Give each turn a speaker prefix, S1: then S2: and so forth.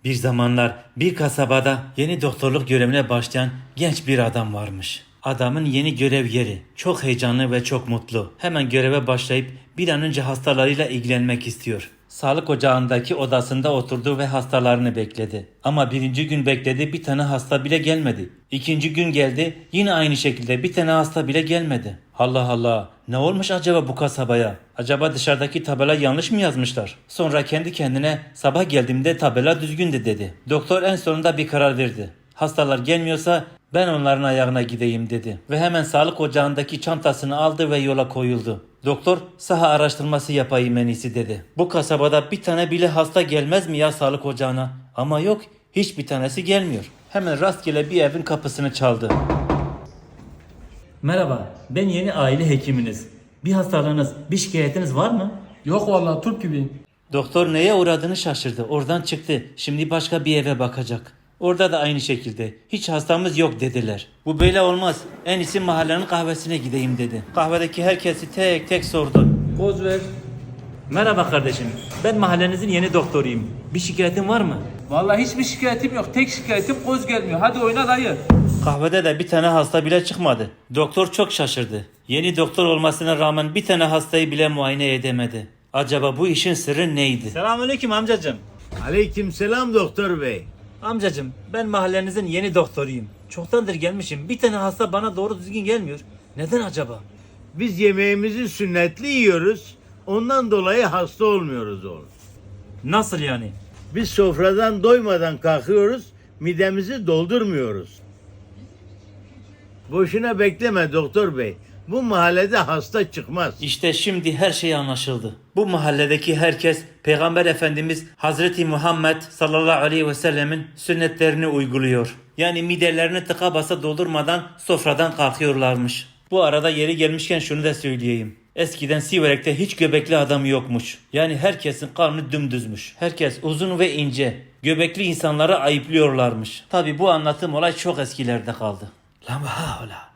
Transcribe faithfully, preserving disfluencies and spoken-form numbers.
S1: Bir zamanlar bir kasabada yeni doktorluk görevine başlayan genç bir adam varmış. Adamın yeni görev yeri. Çok heyecanlı ve çok mutlu. Hemen göreve başlayıp bir an önce hastalarıyla ilgilenmek istiyor. Sağlık ocağındaki odasında oturdu ve hastalarını bekledi. Ama birinci gün bekledi, bir tane hasta bile gelmedi. İkinci gün geldi, yine aynı şekilde bir tane hasta bile gelmedi. Allah Allah, ne olmuş acaba bu kasabaya? Acaba dışarıdaki tabela yanlış mı yazmışlar? Sonra kendi kendine sabah geldiğimde tabela düzgündü dedi. Doktor en sonunda bir karar verdi. Hastalar gelmiyorsa ben onların ayağına gideyim dedi. Ve hemen sağlık ocağındaki çantasını aldı ve yola koyuldu. Doktor saha araştırması yapayım en iyisi dedi. Bu kasabada bir tane bile hasta gelmez mi ya sağlık ocağına? Ama yok, hiçbir tanesi gelmiyor. Hemen rastgele bir evin kapısını çaldı. Merhaba, ben yeni aile hekiminiz. Bir hastalığınız, bir şikayetiniz var mı?
S2: Yok vallahi turp gibiyim.
S1: Doktor neye uğradığını şaşırdı. Oradan çıktı. Şimdi başka bir eve bakacak. Orada da aynı şekilde. Hiç hastamız yok dediler. Bu böyle olmaz. En iyisi mahallenin kahvesine gideyim dedi. Kahvedeki herkesi tek tek sordu.
S2: Koz ver.
S1: Merhaba kardeşim. Ben mahallenizin yeni doktoruyum. Bir şikayetin var mı?
S2: Vallahi hiçbir şikayetim yok. Tek şikayetim koz gelmiyor. Hadi oyna dayı.
S1: Kahvede de bir tane hasta bile çıkmadı. Doktor çok şaşırdı. Yeni doktor olmasına rağmen bir tane hastayı bile muayene edemedi. Acaba bu işin sırrı neydi? Selamünaleyküm amcacığım.
S3: Aleykümselam doktor bey.
S1: Amcacığım, ben mahallenizin yeni doktoruyum. Çoktandır gelmişim. Bir tane hasta bana doğru düzgün gelmiyor. Neden acaba?
S3: Biz yemeğimizi sünnetli yiyoruz. Ondan dolayı hasta olmuyoruz oğlum.
S1: Nasıl yani?
S3: Biz sofradan doymadan kalkıyoruz, midemizi doldurmuyoruz. Boşuna bekleme doktor bey. Bu mahallede hasta çıkmaz.
S1: İşte şimdi her şey anlaşıldı. Bu mahalledeki herkes Peygamber Efendimiz Hazreti Muhammed sallallahu aleyhi ve sellemin sünnetlerini uyguluyor. Yani midelerini tıka basa doldurmadan sofradan kalkıyorlarmış. Bu arada yeri gelmişken şunu da söyleyeyim. Eskiden Siverek'te hiç göbekli adam yokmuş. Yani herkesin karnı dümdüzmüş. Herkes uzun ve ince. Göbekli insanları ayıplıyorlarmış. Tabi bu anlatım olay çok eskilerde kaldı. La havla.